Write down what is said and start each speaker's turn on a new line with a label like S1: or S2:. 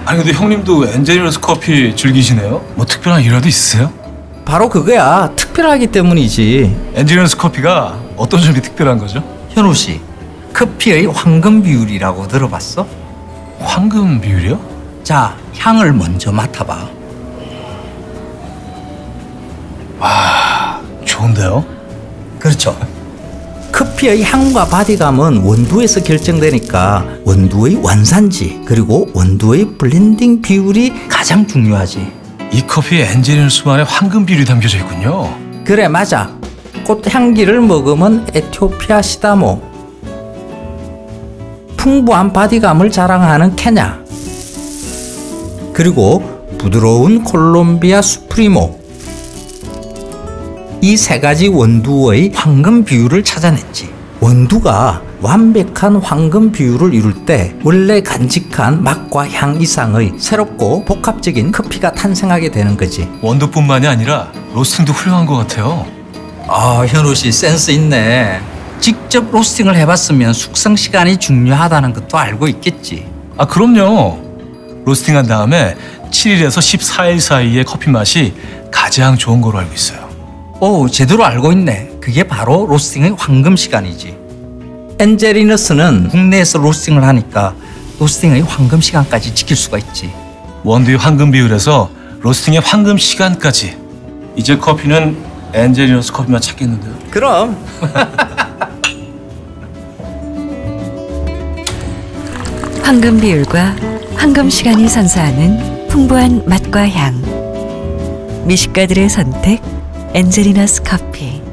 S1: 아니 근데 형님도 엔젤리너스 커피 즐기시네요? 뭐 특별한 이유라도 있으세요?
S2: 바로 그거야. 특별하기 때문이지.
S1: 엔젤리너스 커피가 어떤 점이 특별한 거죠?
S2: 현우 씨, 커피의 황금 비율이라고 들어봤어?
S1: 황금 비율이요?
S2: 자, 향을 먼저 맡아봐.
S1: 와, 좋은데요?
S2: 그렇죠. 커피의 향과 바디감은 원두에서 결정되니까 원두의 원산지 그리고 원두의 블렌딩 비율이 가장 중요하지.
S1: 이 커피에 엔젤리너스만의 황금 비율이 담겨져 있군요.
S2: 그래, 맞아. 꽃향기를 머금은 에티오피아 시다모, 풍부한 바디감을 자랑하는 케냐, 그리고 부드러운 콜롬비아 수프리모. 이 세 가지 원두의 황금 비율을 찾아냈지. 원두가 완벽한 황금 비율을 이룰 때 원래 간직한 맛과 향 이상의 새롭고 복합적인 커피가 탄생하게 되는 거지.
S1: 원두뿐만이 아니라 로스팅도 훌륭한 것 같아요.
S2: 아, 현우 씨 센스 있네. 직접 로스팅을 해봤으면 숙성 시간이 중요하다는 것도 알고 있겠지.
S1: 아, 그럼요. 로스팅한 다음에 7일에서 14일 사이의 커피 맛이 가장 좋은 거로 알고 있어요.
S2: 오, 제대로 알고 있네. 그게 바로 로스팅의 황금 시간이지. 엔젤리너스는 국내에서 로스팅을 하니까 로스팅의 황금 시간까지 지킬 수가 있지.
S1: 원두의 황금 비율에서 로스팅의 황금 시간까지. 이제 커피는 엔젤리너스 커피만 찾겠는데요.
S2: 그럼.
S3: 황금 비율과 황금 시간이 선사하는 풍부한 맛과 향. 미식가들의 선택 엔젤리너스 커피.